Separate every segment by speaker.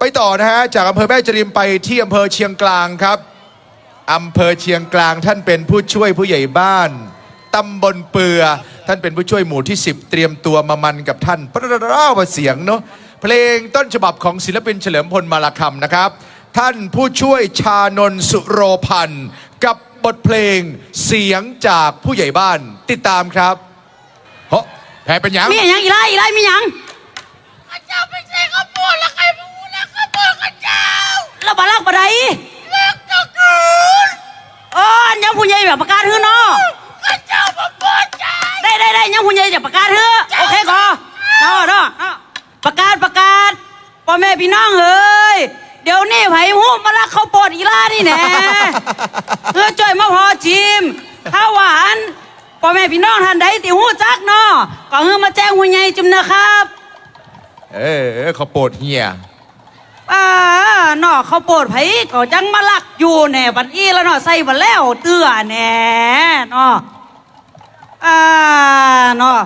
Speaker 1: ไปต่อนะฮะจากอำเภอแม่จริมไปที่อำเภอเชียงกลางครับอำเภอเชียงกลางท่านเป็นผู้ช่วยผู้ใหญ่บ้านตำบลเปือท่านเป็นผู้ช่วยหมู่ที่10เตรียมตัวมามันกับท่านพระราชเสียงเนาะเพลงต้นฉบับของศิลปินเฉลิมพลมาลาคำนะครับท่านผู้ช่วยชานนท์สุโรพันธ์กับบทเพลงเสียงจากผู้ใหญ่บ้านติดตามครับเฮ้ยแพ้เป็นยัง
Speaker 2: มีอย่างอีไล่มีอย่าง
Speaker 3: ข้าเจ้าไปใส่ข้าวโพดแล้วใครพูดแล้วข้าวโพดข้าเจ้า
Speaker 2: แล้วบาลักบาได
Speaker 3: เลิกตะกืน
Speaker 2: ยังผู้ใหญ่แบบประกาศฮื้อเนาะ
Speaker 3: ข้าเจ้ามาปวดใจ
Speaker 2: ได้ยังผู้ใหญ่จะประกาศฮื้อโอเคก่อนเนาะประกาศพ่อแม่พี่น้องเฮ้ยเดี๋ยวนี้ไผ่หูมาลักเขาปวดอีล่านี่แน่จ่อยมาพอจิมถ้าหวานพ่อแม่พี่น้องท่านใดติหูจักเนาะก็มาแจ้งผู้ใหญ่จิมนะครับ
Speaker 1: เขาโปรดเฮีย
Speaker 2: เนาะเขาโปรดไผ่ก็จังมาลักอยู่แน่บัดอี้แล้วเนาะใส่บัดแล้วเตื้อแน่เนาะเนาะ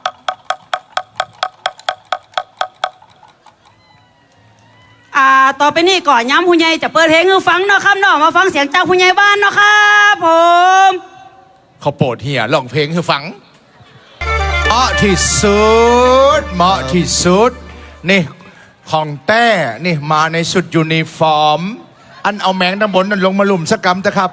Speaker 2: ต่อไปนี่ก่อนย้ำผู้ใหญ่จะเปิดเพลงให้ฟังเนาะครับเนาะมาฟังเสียงจากผู้ใหญ่บ้านเนาะครับผม
Speaker 1: เขาโปรดเฮียร้องเพลงให้ฟังเหมาะที่สุดนี่ของแต้นี่มาในชุดยูนิฟอร์มอันเอาแมงด้านบนนั่นลงมาลุ่มสักกำนะครับ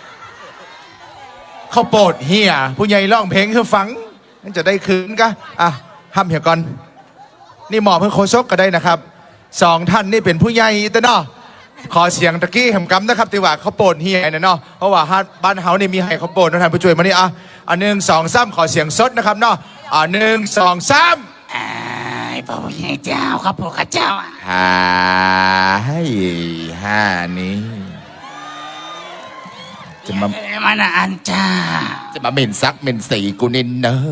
Speaker 1: เขาโปรดเฮียผู้ใหญ่ร้องเพลงให้ฟังนั่นจะได้คืนกะห้ามเหี่ยก่อนนี่หมอบเพื่อโคซกก็ได้นะครับ2ท่านนี่เป็นผู้ใหญ่แต่เนาะขอเสียงตะกี้แหมกำนะครับตีว่าเขาโปรดเฮียนะเนาะเพราะว่าบ้านเฮานี่มีให้เขาโปรดนะท่านผู้ช่วยมานี่1 2 3ขอเสียงสดนะครับเนาะ1 2 3
Speaker 3: พ่อผู้ใหญ่เจ้าครับพ่อข้าเจ้า
Speaker 1: นี้จะมา
Speaker 3: อันจ้า
Speaker 1: จะมาเหม็นซักเหม็นสีกูนินเนอะ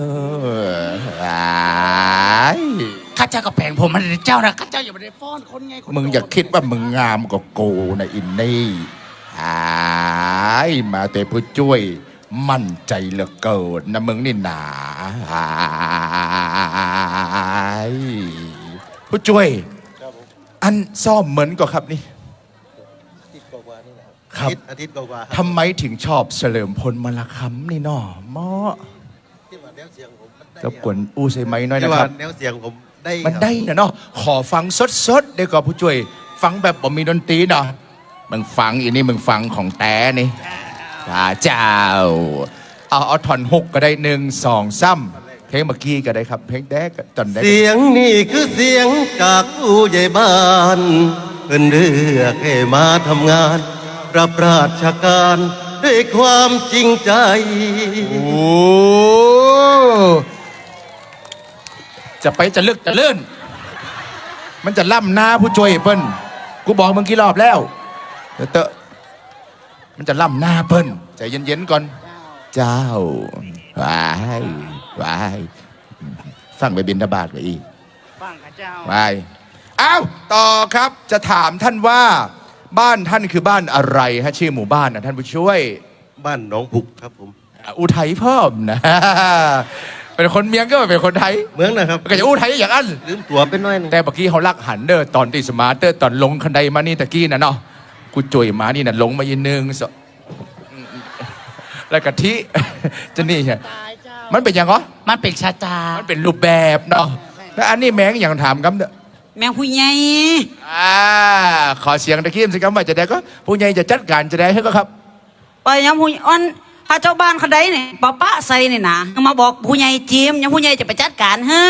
Speaker 3: ข้าเจ้าก็แผงผมมันเจ้านะข้าเจ้าอย่าไปได้ฟ้อนคนไง
Speaker 1: มึงอย่าคิดว่ามึงงามกว่ากูนะอินนี่มาแต่ผู้ช่วยมั่นใจเหลือเกินนะมึงนี่หนาผู้ช่วยอันซ่อมเหมือนก็ครับนี่ครับ
Speaker 4: อาทิตย์กว่า
Speaker 1: ทำไมถึงชอบเฉลิมพลมาลาคำนี่เนาะหมอรบกวนอู้ใส่ไม้น้อยนะครับ
Speaker 4: แนวเสียงผม
Speaker 1: มันได้นะเนาะขอฟังสดได้ก่อนผู้ช่วยฟังแบบบ่มีดนตรีเนาะมึงฟังอีนี่มึงฟังของแต่นี่เจ้าเอาท่อน6ก็ได้1 2 3เพลงเมื่อกี้ก็ได้ครับเพลงแดกตอนแดก
Speaker 4: เสียงนี่คือเสียงจากผู้ใหญ่บ้านเพิ่นเลือกให้มาทำงานรับราชการด้วยความจริงใจ
Speaker 1: จะลึกจะเลื่อนมันจะล่ำหน้าผู้ช่วยเปิ้ลกูบอกมึงกี่รอบแล้วเตอะมันจะล่ำหน้าเปิ้ลใจเย็นๆก่อนเจ้าวายฟังไปบิณฑบาตกับอี
Speaker 3: ฟังข้าเจ้า
Speaker 1: ไปต่อครับจะถามท่านว่าบ้านท่านคือบ้านอะไรฮะชื่อหมู่บ้านนะท่านผู้ช่วย
Speaker 4: บ้านหนองผุกครับผม
Speaker 1: อุทัยเพิ่มนะเป็นคนเมียงก็เป็นคนไทย
Speaker 4: เมืองนะครับ
Speaker 1: ก็จะอุทัยอย่างนั้น
Speaker 4: ลืมตัวเป็นน้อยนึง
Speaker 1: แต่เมื่อกี้เขาลักหันเด้อตอนตีสมาร์เตอร์ตอนลงคันไดมานี่ตะกี้นะเนาะกูจ่วยมานี่นะลงมาอีกนึงแล้วกะทิจะนี่ใช่มันเป็นยังไง
Speaker 3: มันเป็นชาตา
Speaker 1: มันเป็นรูปแบบเนาะแล้วอันนี้แมงอย่างถามกันเด้อ
Speaker 2: แมงผู้ใหญ่
Speaker 1: ขอเสียงตะกี้สิครับว่าจะได้ก็ผู้ใหญ่จะจัดการจะได้ให้ก็ครับ
Speaker 2: ไปยังผู้ถ้าเจ้าบ้านเขาได้เนี่ยป้าใส่เนี่ยนะมาบอกผู้ใหญ่จีมยังผู้ใหญ่จะไปจัดการเฮ้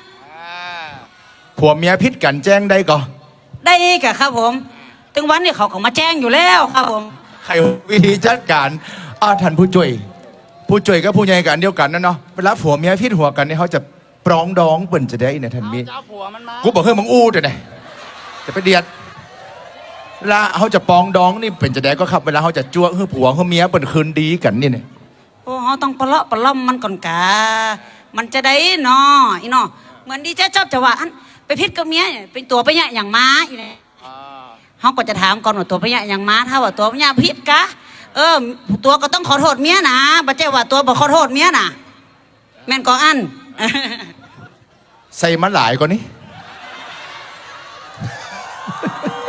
Speaker 1: ผัวเมียพิษกันแจ้งได้ก็
Speaker 2: ได้กะครับผมถึงวันนี้เขาก็มาแจ้งอยู่แล้วครับผม
Speaker 1: ใครวิธีจัดการท่านผู้ช่วยกับผู้ใหญ่กันเดียวกันนะเนาะเวลาผัวเมียพิษหัวกันเนี่ยเขาจะปรองดองเปิ่นจะได้เนี่ยท่านมีกูบอกเฮ้ยมึงอู้แต่ไหนจะไปเดียดเวลาเขาจะปองดองนี่เป็นจะได้ก็ครับเวลาเขาจะจ้วงเฮ้ยผัวเฮ้ยเมียเปิ่นคืนดีกันนี่เนี่ย
Speaker 2: เขาต้องปะเลาะปะล่อมมันก่อนกะมันจะได้เนาะอีเนาะเหมือนดีเจ๊ชอบจะว่าไปพิษกับเมียเป็นตัวไปเนี่ยอย่างม้าอีเนี่ยเขาก็จะถามก่อนว่าตัวไปเนี่ยอย่างม้าถ้าว่าตัวไปเนี่ยพิษกะตัวก็ต้องขอโทษเมียนะบัจเจ้าว่าตัวบอกขอโทษเมียนะแม่นก็อัน
Speaker 1: ใส่มาหลายกว่านี้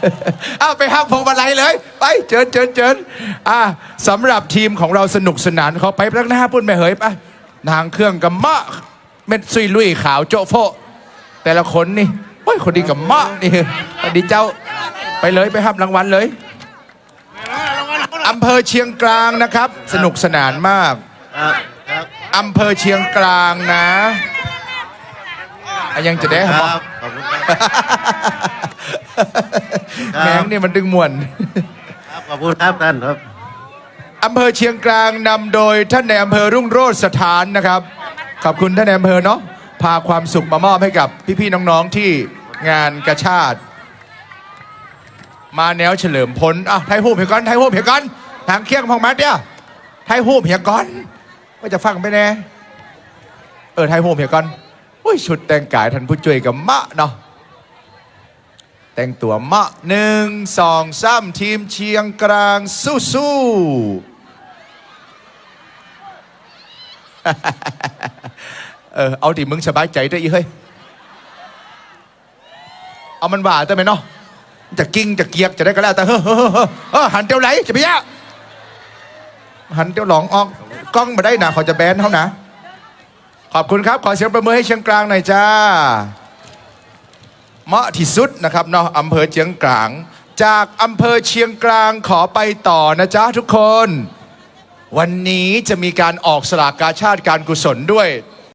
Speaker 1: เอาไปห้ามพวงมาลัยเลย ไปเจิญสำหรับทีมของเราสนุกสนานเขาไปพลักหน้าปุ่นไปเหยไปนางเครื่องกับมะเม็ดซุยลุยขาวโจโฟแต่ละคนนี่โอ้ยคนดีกับมะนี่คนดีเจ้าไปเลยไปห้ามรางวัลเลยอำเภอเชียงกลางนะครับ สนุกสนานมาก
Speaker 4: ครับ
Speaker 1: อำเภอเชียงกลางนะยังจะได้
Speaker 4: ค
Speaker 1: ค
Speaker 4: รั
Speaker 1: รั
Speaker 4: บบ ขอบคุณครับ
Speaker 1: แมงนี่มันดึงมวน
Speaker 4: ครับขอบคุณครับท่านครับ
Speaker 1: อำเภอเชียงกลางนำโดยท่านในอำเภอรุ่งโรจน์สถานนะครับขอบคุณท่านในอำเภอเนาะพาความสุขมามอบให้กับพี่ๆน้องๆที่งานกระชาติมาแนวเฉลิมพลไทยหูบเหียก้อนไทยหูบเหียก้อนทางเคียงพองมัดเนี่ยไทยหูบเหียก้อนว่าจะฟังไปแน่ไทยหูบเหียก้อนอุ้ยชุดแต่งกายท่านผู้ช่วยกับมะเนาะแต่งตัวมะ1 2 3ทีมเชียงกลางสู้เอาดิมึงสบายใจได้อีเฮ้ยเอามันว่าได้ไหมเนาะจะกิ้งจะเกียกจะได้ก็แล้วแต่หันเตียวไหลจะไปยะหันเตียวหลองออกกล้องมาได้นะเขาจะแบนเขานะขอบคุณครับขอเสียงประมือให้เชียงกลางหน่อยจ้าเหมาะที่สุดนะครับเนาะอำเภอเชียงกลางจากอำเภอเชียงกลางขอไปต่อนะจ๊ะทุกคนวันนี้จะมีการออกสลากกาชาติการกุศลด้วย